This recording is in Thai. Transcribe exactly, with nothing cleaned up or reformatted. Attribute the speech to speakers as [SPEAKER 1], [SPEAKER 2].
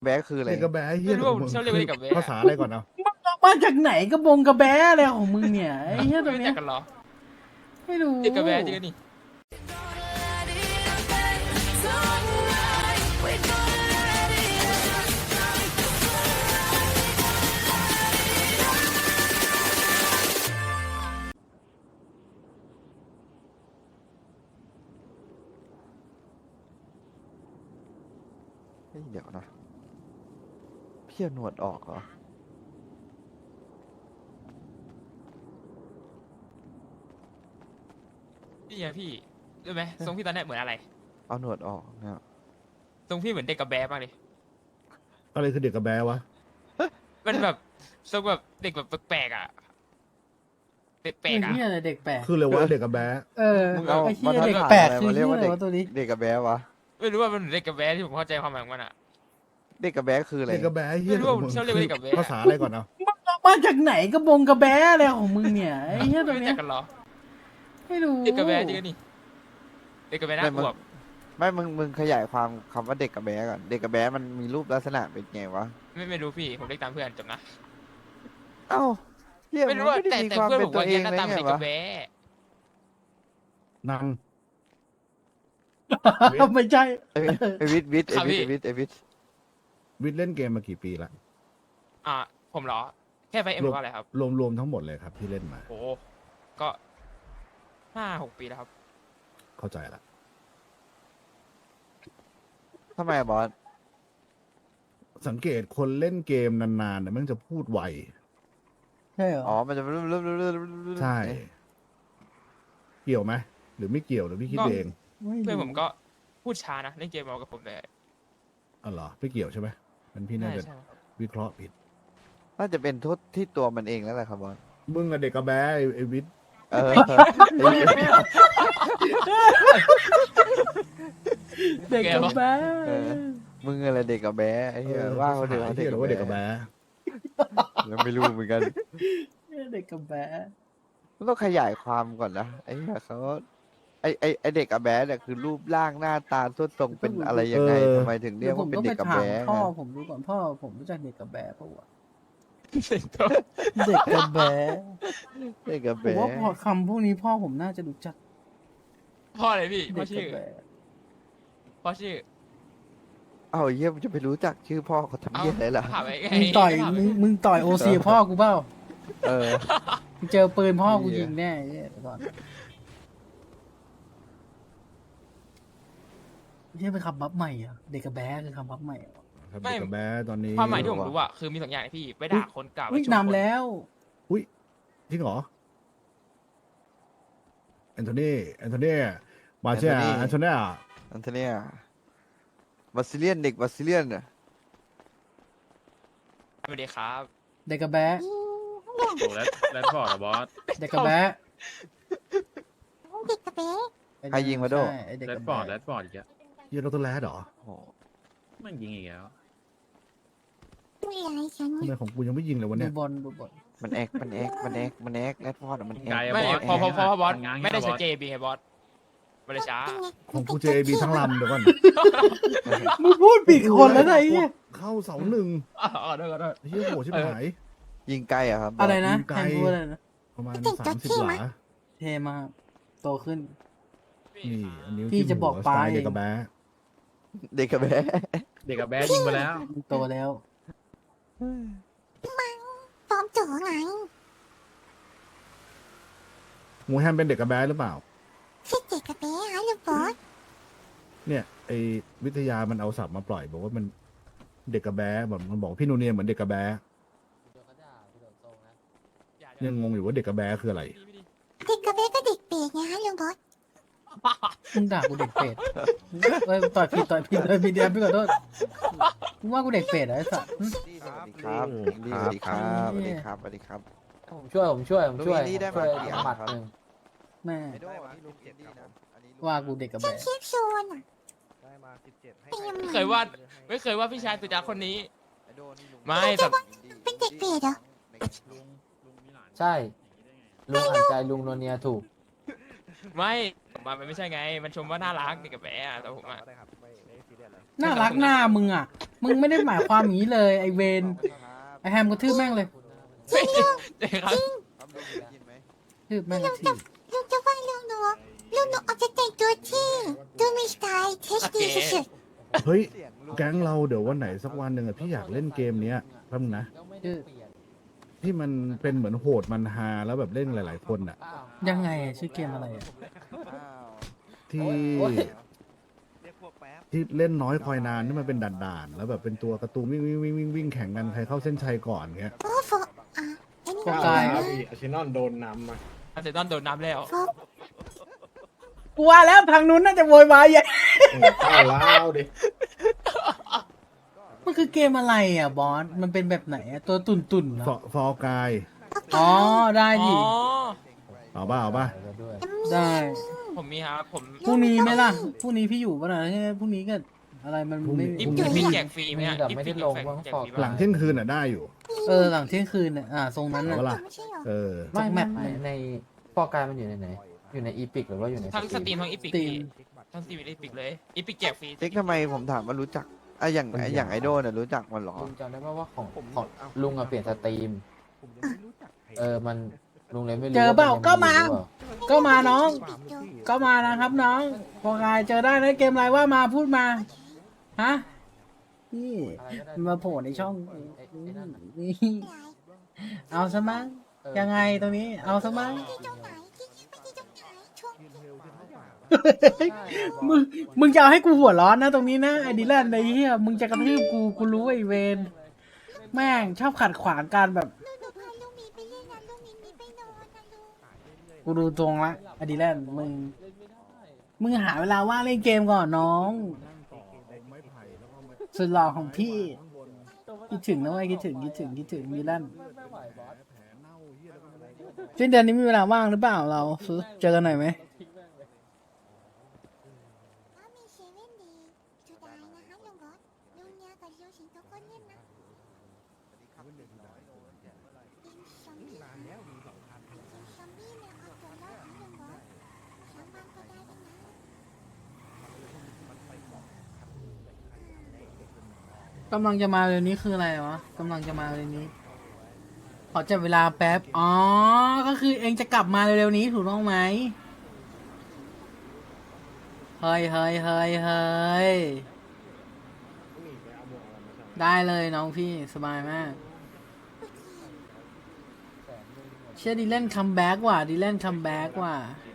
[SPEAKER 1] แบ๊คืออะไร
[SPEAKER 2] เด็กกระแบะเฮีย
[SPEAKER 3] ไม่รู้ว่าผมชอบเรียกว่าเด็กกระแบะ
[SPEAKER 2] ภาษาอะไรก่อนเอา
[SPEAKER 4] มาจากไหนกระบงกระแบะอะไรของมึงเนี่ยไอ้เหี้ยตัว
[SPEAKER 3] ไม่รู้
[SPEAKER 4] เนี้
[SPEAKER 3] จั
[SPEAKER 4] ย
[SPEAKER 3] กกันเหรอ
[SPEAKER 4] ไม่รู้
[SPEAKER 3] เด็กกระแบะจริงๆนี่
[SPEAKER 1] เฮ้ยเดี๋ยวนะพี่เอาหนวดออกเหรอ
[SPEAKER 3] พี่ไงพี่รู้ไหมทรงพี่ตอนเนี้ยเหมือนอะไร
[SPEAKER 1] เอาหนวดออกเนี่ย
[SPEAKER 3] ทรงพี่เหมือนเด็กกระแบะมากเลย
[SPEAKER 2] อะไรคือเด็กกระแบะวะ
[SPEAKER 3] มันแบบทรงแบบเด็กแบบแปลกๆอ่ะเด็กแปล
[SPEAKER 4] ไอ้
[SPEAKER 3] กอ่ะ
[SPEAKER 4] เหี้ยอะไรเด็กแปลก
[SPEAKER 2] คือเลยว่าเด็กกระแบะ
[SPEAKER 4] เออ
[SPEAKER 1] มึงเอา
[SPEAKER 4] ไอ้เหี้
[SPEAKER 1] มาย ทัด
[SPEAKER 4] เด็ก
[SPEAKER 1] ฐาน
[SPEAKER 4] แปลก
[SPEAKER 1] อะไร
[SPEAKER 4] คือ
[SPEAKER 1] มาเรีย
[SPEAKER 4] เหี้
[SPEAKER 1] ก
[SPEAKER 4] ย
[SPEAKER 1] ว่า
[SPEAKER 4] อะไร
[SPEAKER 1] เด็ก
[SPEAKER 4] วะตัวนี้
[SPEAKER 1] เด็กกระแบะวะ
[SPEAKER 3] ไม่รู้ว่ามันเหมือนเด็กกระแบะที่ผมเข้าใจความหมายของมันอ่ะ
[SPEAKER 1] เด็กกระแบะคืออะไร
[SPEAKER 2] เด็กกระแบะเฮีย
[SPEAKER 3] ไม่รู้ว่าผมชอบเรียกว่าเด็กกระแบะ
[SPEAKER 2] ภาษาอะไรก่อนเอา
[SPEAKER 4] มาจากไหนกระบงกระแบะอะไรของมึงเนี่ยไอ้เหี้ยตัว
[SPEAKER 3] ไม่รู้
[SPEAKER 4] เนี้
[SPEAKER 3] จั
[SPEAKER 4] ย
[SPEAKER 3] กกันเหรอ
[SPEAKER 4] ไม่รู้
[SPEAKER 3] เด็กกระแบะจริงๆนี่เด็กกระแบะน่า
[SPEAKER 1] ไม่
[SPEAKER 3] ก
[SPEAKER 1] มึ
[SPEAKER 3] ลั
[SPEAKER 1] ง
[SPEAKER 3] ว
[SPEAKER 1] ไม่มึงมึงขยายความคำว่าเด็กกระแบะก่อนเด็กกระแบะมันมีรูปลักษณะเป็นไงวะ
[SPEAKER 3] ไม่ไม่รู้พี่ผมเรียกตามเพื่อนจบนะ
[SPEAKER 1] เอ้าเฮีย
[SPEAKER 3] ไม่
[SPEAKER 1] มึ
[SPEAKER 3] รู้
[SPEAKER 1] ง
[SPEAKER 3] ว่า
[SPEAKER 1] ไม่ได้
[SPEAKER 3] แต่
[SPEAKER 1] มี
[SPEAKER 3] แต่
[SPEAKER 1] ความ
[SPEAKER 3] เพื่อน
[SPEAKER 1] เป็
[SPEAKER 3] ผ
[SPEAKER 1] น
[SPEAKER 3] ม
[SPEAKER 1] ตัว
[SPEAKER 3] ว่า
[SPEAKER 1] เอ
[SPEAKER 3] เนี้ย
[SPEAKER 1] ง
[SPEAKER 3] หน้า
[SPEAKER 1] เลย
[SPEAKER 3] ตาเหมือน
[SPEAKER 1] ไง
[SPEAKER 3] เด็กก
[SPEAKER 1] วะ
[SPEAKER 3] ระแบะ
[SPEAKER 2] นัง
[SPEAKER 4] ไม่ใช่
[SPEAKER 1] ไอ้ไอวิทย์วิทย์ไอวิทย์ไอวิทย์ไอวิทย์
[SPEAKER 2] วิทย์เล่นเกมมากี่ปีละ
[SPEAKER 3] อ่ะผมเหรอแค่ไฟเอ็มหรือว่าอะไรครับ
[SPEAKER 2] รวมรวมทั้งหมดเลยครับที่เล่นมา
[SPEAKER 3] โอ้ก็ห้าหกปีแล้วครับ
[SPEAKER 2] เข้าใจละ
[SPEAKER 1] ทำไมอะบอส
[SPEAKER 2] สังเกตคนเล่นเกมนานๆเนี่ยมันจะพูดไว
[SPEAKER 4] ใช่เหรอ
[SPEAKER 1] อ๋อมันจะ
[SPEAKER 2] ใช่ เกี่ยวไหมหรือไม่เกี่ยวหรือพี่คิด
[SPEAKER 3] ก็
[SPEAKER 2] เอง
[SPEAKER 3] เพื่อนผมก็พูดช้านะเล่นเกมเอากับผมเลย
[SPEAKER 2] อ๋อเหรอไม่เกี่ยวใช่ไหมมันพี่น่า
[SPEAKER 3] ใช่
[SPEAKER 2] จะ
[SPEAKER 3] ใช่
[SPEAKER 2] วิเคราะห์ผิด
[SPEAKER 1] น่าจะเป็นโทษที่ตัวมันเองแล้วแหละครับบอส
[SPEAKER 2] มึงอะเด็กกระแบะไอ้ไอ้วิทย์
[SPEAKER 1] เออ
[SPEAKER 4] เด็กกระแบะ
[SPEAKER 1] เออ มึงอะไรเด็กกระแบะไอ้เหี้ยว่าเขาเด็ก
[SPEAKER 2] ไอ้
[SPEAKER 1] เด็
[SPEAKER 2] เหี้
[SPEAKER 1] ก
[SPEAKER 2] ยหรือว่าเด็กกระแบะ
[SPEAKER 1] ยังไม่รู้เหมือนกัน
[SPEAKER 4] เด็กกระแบะ
[SPEAKER 1] มันต้องขยายความก่อนนะไอ้เหี้ยเขาไอ้ไอ้ไอ้เด็กกระแบะเนี่ยคือรูปร่างหน้าตาทุดทรงเป็นอะไรยังไงทำไมถึงเรี
[SPEAKER 4] เดี๋
[SPEAKER 1] ย
[SPEAKER 4] ย
[SPEAKER 1] ก
[SPEAKER 4] วผ
[SPEAKER 1] ว่าม เป็น
[SPEAKER 4] ต้อง
[SPEAKER 1] เด็
[SPEAKER 4] ไป
[SPEAKER 1] กกระ
[SPEAKER 4] ถาม
[SPEAKER 1] แบะ
[SPEAKER 4] พ่อ
[SPEAKER 1] นะ
[SPEAKER 4] ผมดูก่อนพ่อผมรู้จักเด็กกระแบะปะวะ
[SPEAKER 3] เด็กก็
[SPEAKER 4] เด็กกระแบะ
[SPEAKER 1] เด็กกระ
[SPEAKER 4] ผม
[SPEAKER 1] แบะ
[SPEAKER 4] ว่าพอคำพวกนี้พ่อผมน่าจะรู้จัก
[SPEAKER 3] พ่ออะไรพี่พ่
[SPEAKER 4] เด็
[SPEAKER 3] อก
[SPEAKER 4] ก
[SPEAKER 3] ชื่
[SPEAKER 4] ระ
[SPEAKER 3] อ
[SPEAKER 4] แบะ
[SPEAKER 3] พ่อชื่อ
[SPEAKER 1] เอาไอ้เหี้ยมันจะไปรู้จักชื่อพ่อเขาทำ
[SPEAKER 3] เอ้า
[SPEAKER 1] เหี้ยอะไรล่ะ
[SPEAKER 3] ถามไปไง
[SPEAKER 4] มึงต่อย
[SPEAKER 3] ถามไป
[SPEAKER 4] มึงมึงต่อยโอซีพ่อกูเปล่า
[SPEAKER 1] เออ
[SPEAKER 4] มึงเจอปืนพ่อกู
[SPEAKER 1] เหี้ย
[SPEAKER 4] ยิงแน่ไอ้เหี้ยเดี๋ยวก่อนเฮียเป็นคำบัฟใหม่เหรอ่ะเด็กกระแบะคือคำบัฟใหม่เหรอ
[SPEAKER 2] ครับเด็กกระแบะตอนนี้
[SPEAKER 3] ความหมายที่ผมรู้อะคือมีสองอย่างนะพี่ไปด่าคนเก่า
[SPEAKER 4] อุ้ย
[SPEAKER 3] ไปชมคน
[SPEAKER 4] นำแล้ว
[SPEAKER 2] อุ้ยจริงเหรอแอนโทนีแอนโทนีมาเชียแอนโทนี
[SPEAKER 1] อันเทเนียบาซิเลียนเด็กบาซิเลียนเนี่ย
[SPEAKER 3] สวัสดีครับ
[SPEAKER 4] เด็กกระแบะ
[SPEAKER 5] โอ้แรดแรดฟอร์ดอะบอส
[SPEAKER 4] เด็กกระแบะ
[SPEAKER 6] เด็กกระเบ๊ะ
[SPEAKER 4] ไอ้
[SPEAKER 1] ใครยิงมาโด
[SPEAKER 4] ใช่ไอ้เด็ก
[SPEAKER 5] แร
[SPEAKER 4] ก
[SPEAKER 5] ด
[SPEAKER 4] ระ
[SPEAKER 5] ฟอร์ดแร
[SPEAKER 4] แบะ
[SPEAKER 5] ดฟอร์ดอีกอะ
[SPEAKER 2] เฮียโรตแลดเหรอ
[SPEAKER 1] โอ้โห
[SPEAKER 5] มันยิงอีกแล้ว
[SPEAKER 6] ไม่อะไรฉัน
[SPEAKER 2] ทำไมของกูยังไม่ยิงเลยวัน
[SPEAKER 4] ดู
[SPEAKER 2] เนี้ย
[SPEAKER 4] บอลดูบอล
[SPEAKER 1] มันแอกมันแอกมันแอกมันแอกแรดฟอร์ดอะมันแอก
[SPEAKER 5] ไกลอะ
[SPEAKER 3] ไม่
[SPEAKER 5] บอส
[SPEAKER 3] พอพอพอพอบอส
[SPEAKER 5] ง้าง
[SPEAKER 3] ไม่ได้
[SPEAKER 5] บ
[SPEAKER 3] ใช้
[SPEAKER 5] อส
[SPEAKER 3] เจบีไงบอสมันเลยช้า
[SPEAKER 2] ของกูเจบีทั้งลำเดี๋ยวก่อน
[SPEAKER 4] มึงพูดผิดคนแล้วนะไอ้เหี้ย
[SPEAKER 2] เข้าเสาหนึ่ง
[SPEAKER 3] อ๋อได้ก็ได้
[SPEAKER 2] เฮียโหชิบหาย
[SPEAKER 1] ยิงไกลอะครับบส
[SPEAKER 4] อะไรนะ
[SPEAKER 2] ยิงไก
[SPEAKER 4] แท
[SPEAKER 2] ล
[SPEAKER 4] นพูดอะไรนะ
[SPEAKER 2] ประมาณสามสิบหลา
[SPEAKER 4] เทมากโตขึ้น
[SPEAKER 2] นี่อันนี้
[SPEAKER 4] พี่จะบอก
[SPEAKER 2] สไตล์
[SPEAKER 4] ปลาย
[SPEAKER 2] เด็กกระแบะ
[SPEAKER 1] เด็กกระแบะ
[SPEAKER 5] เด็กกับแบดยิงไปแล้ว
[SPEAKER 4] มึงโตแล้ว
[SPEAKER 6] ฟอร์มจ๋อไง
[SPEAKER 2] หมูแฮมเป็นเด็กกระแบะหรือเปล่า
[SPEAKER 6] ใช่เด็กกระเบ๊ะฮะลูกบอส
[SPEAKER 2] เนี่ยไอวิทยามันเอาสับมาปล่อย บอกว่ามันเด็กกระแบะแบบมันบอกพี่นูเนียเหมือนเด็กกระแบะยังงงอยู่ว่าเด็กกระแบะคืออะไร
[SPEAKER 6] เด็กกระเบ๊ะก็เด็กเปรตไงฮะลูกบอส
[SPEAKER 4] มึงด่ากูเด็กเป็ดเอ้ยต่อยผิดต่อยผิดต่อยผิดเดียวพี่ขอโทษมึงว่ากูเด็กเป็ดเหรอไอ้สัส
[SPEAKER 1] สวัสดีครับดีสวัสดีครับสวัสดีครับสวัสดีครับ
[SPEAKER 7] ผมช่วยผมช่วยผมช่วย
[SPEAKER 1] ลุงอินดี้ได้
[SPEAKER 7] ช่วย
[SPEAKER 1] มากี่อัน
[SPEAKER 7] หมัด
[SPEAKER 1] ครับ
[SPEAKER 7] หนึ่ง
[SPEAKER 4] แม่
[SPEAKER 1] ไอโดอันนี้ลุงอินดี้นะอันนี้ลุง
[SPEAKER 4] ว่ากูเด็กกระ
[SPEAKER 6] ฉัน
[SPEAKER 4] แบะ
[SPEAKER 6] เชียบโซนอ่ะ
[SPEAKER 1] ได้มาสิบเจ็ดให้
[SPEAKER 6] เป็นยังไง
[SPEAKER 3] ไม่เคยว่าไม่เคยว่าพี่ชายสุดยอดคนนี้
[SPEAKER 1] ไอโดนี่ลุง
[SPEAKER 3] ไม่แต่
[SPEAKER 6] เป็นเด็กเปรตเหรอ
[SPEAKER 5] ลุงลุงมีหลาน
[SPEAKER 7] ใช่ลุงอ่านใจลุงโนเนียถูก
[SPEAKER 3] ไม่ผมมามันไม่ใช่ไง มันชมว่าน่ารักเด็กกับแบะอะแต่ผมอะ
[SPEAKER 4] น่ารักหน้ามึงอ่ะมึงไม่ได้หมายความอย่างนี้เลย ไอเวนไอแฮมก็ทืบแม่งเลย
[SPEAKER 3] เด็กครับ
[SPEAKER 1] ครับลุงได้ยินไหม
[SPEAKER 4] ทืบแม่ง
[SPEAKER 6] ลุง
[SPEAKER 4] ที
[SPEAKER 6] จะลุงจะว่าลุงหนูลุงหนูอาจจะแต่งตัวที่ดูมีสไตล์เทสดีสุด
[SPEAKER 2] เฮ้ย
[SPEAKER 1] เสียงลุง
[SPEAKER 2] แก๊งเราเดี๋ยววันไหนสักวันหนึ่งอะพี่อยากเล่นเกมเนี้ยแป๊บนึงนะ
[SPEAKER 4] ชื่อ
[SPEAKER 2] ที่มันเป็นเหมือนโหดมันฮาแล้วแบบเล่นหลาย ๆ คนอะ
[SPEAKER 4] ยังไงอะชื่อเกมอะไรอะ
[SPEAKER 1] อ้าว
[SPEAKER 2] ที่
[SPEAKER 7] โอ้ย
[SPEAKER 1] เรียกพวกแป๊บ
[SPEAKER 2] ที่เล่นน้อยคอยนานที่มันเป็นด่านๆแล้วแบบเป็นตัวการ์ตูนวิ่งวิ่งวิ่งวิ่งวิ่งแข่งกันใครเข้าเส้นชัยก่อนเงี้ย
[SPEAKER 6] ๆโอ้โฟอ่ะอันนี้
[SPEAKER 4] โฟกาย
[SPEAKER 8] ครับพี่อาร์เซนอลโดนนำมา
[SPEAKER 3] อาร์เซนอลโดนน้ำแล้ว
[SPEAKER 6] โฟ
[SPEAKER 4] กูว่าแล้วทางนู้นน่าจะโวยวายใหญ่
[SPEAKER 8] เข้าแล้วดิ
[SPEAKER 4] มันคือเกมอะไรอ่ะบอส มันเป็นแบบไหนอะตัวตุ่นตุ่นๆเหร
[SPEAKER 2] ฟอ
[SPEAKER 4] อ
[SPEAKER 2] ฟอร์กาย
[SPEAKER 4] อ๋อ ได้
[SPEAKER 3] อ๋
[SPEAKER 4] ดิ
[SPEAKER 3] อ
[SPEAKER 2] เอาป่ะเอาป่ะ
[SPEAKER 7] ไปแล้วด้วย
[SPEAKER 4] ได้
[SPEAKER 3] ผมมีครับผม
[SPEAKER 4] พรุ่งนี้ไหมล่ะ พรุ่งนี้พี่อยู่ป่ะนะพรุ่งนี้ก็อะไรมันไม่
[SPEAKER 3] อี
[SPEAKER 2] พรุ่ง
[SPEAKER 3] พี
[SPEAKER 2] นี้
[SPEAKER 3] แจกฟรีไหมอะ
[SPEAKER 7] แต่
[SPEAKER 3] อี
[SPEAKER 7] ไม่ได้
[SPEAKER 3] พี
[SPEAKER 7] ลง
[SPEAKER 3] แจก
[SPEAKER 7] บ้าง
[SPEAKER 3] แจก
[SPEAKER 7] ฟอก
[SPEAKER 3] ฟรี
[SPEAKER 2] หลัง
[SPEAKER 3] ไหม
[SPEAKER 2] เที่ยงคืนอ่ะได้อยู่
[SPEAKER 4] เออหลังเที่ยงคืนเนี่ยอ่าทรงนั้น
[SPEAKER 2] เอา
[SPEAKER 4] น่ะ
[SPEAKER 2] ปะล่ะ
[SPEAKER 6] ไม่ใช่เหรอ
[SPEAKER 2] เออ
[SPEAKER 7] ไม่
[SPEAKER 4] แม
[SPEAKER 7] ไม่
[SPEAKER 4] ป
[SPEAKER 7] ในในฟอกกายมันอยู่ในไหน อยู่ในอีพิกหรือว่าอยู่ใน
[SPEAKER 3] ทั้งสตรีมทั้งอีพิก
[SPEAKER 4] ตีม
[SPEAKER 3] ทั้งสตรีมอีพิกเลยอีพิกแจกฟรี
[SPEAKER 1] เจ๊กทำไมผมถามว่ารู้จักอ่ะอย่างอย่างไอดอลเนี่ยรู้จักมันเหรอ
[SPEAKER 7] ลุงจำได้ไหมว่าของของลุงอะเปลี่ยนสตรีม เออมันลุงเลยไม่รู้
[SPEAKER 4] เจอเปล่า
[SPEAKER 7] ว่นยัง
[SPEAKER 4] ก็มา
[SPEAKER 7] หรือเปล่
[SPEAKER 4] ก็มาน้อง
[SPEAKER 6] ปิดดู
[SPEAKER 4] ก็มานะครับน้องพอกายเจอได้นะเกมอะไรว่ามาพูดมา ฮะ นี่
[SPEAKER 7] อะไรก็ได้
[SPEAKER 4] มาโผล่ในช่อง
[SPEAKER 7] ไอ้ไอ้นั่นน่ะ
[SPEAKER 4] นี่เอาซะมั้ง
[SPEAKER 7] เออ
[SPEAKER 4] ยังไงตรงนี้ เอาซะมั้ง
[SPEAKER 6] ที่ตรงไหนที่ไม่ที่ตรงไหนช่วง
[SPEAKER 4] มึง มึงจะเอาให้กูหัวร้อนนะตรงนี้นะไอ้ดิแลนไอ้เหี้ย มึงจะกระทืบกู กูรู้ไอ้เวน แม่งชอบขัดขวางการแบบ
[SPEAKER 6] ลุงหนูพาลุงหมีไปเล่นนะลุงหมีมีไปนอนนะลุง
[SPEAKER 4] กูดูตรงละไอ้ดิแลนมึง มึงหาเวลาว่างเล่นเกมก่อนน้อง สุดหล่อของพี่ คิดถึงนะเว้ยคิดถึงคิดถึงคิดถึงดิแลนสิ้นเดือนนี้มีเวลาว่างหรือเปล่าเราซื้อเจอกันหน่อยไหม
[SPEAKER 6] ถ้ามีเซเว่นดีจุดได้นะคะลุงบอสลุงเนี่ยกับลุงสิงโตก็เล่นนะเป็นซอมบี้เป็นซอมบี้เนี่ยเอาตัวรอดนะลุงบอสสามวันก็ได้ด้วยนะ
[SPEAKER 4] กำลังจะมาเร็วนี้คืออะไรวะกำลังจะมาเร็วนี้ ขอจับเวลาแป๊บ อ๋อ ก็คือเองจะกลับมาเร็วๆนี้ถูกต้องไหมเฮ้ยเฮ้ยเฮ้ยเฮ้ยได้เลยน้องพี่สบายมาก เชื่อดีเล่นคัมแบ็กว่ะดีเล่นคัมแบ็กว่ะ
[SPEAKER 7] จ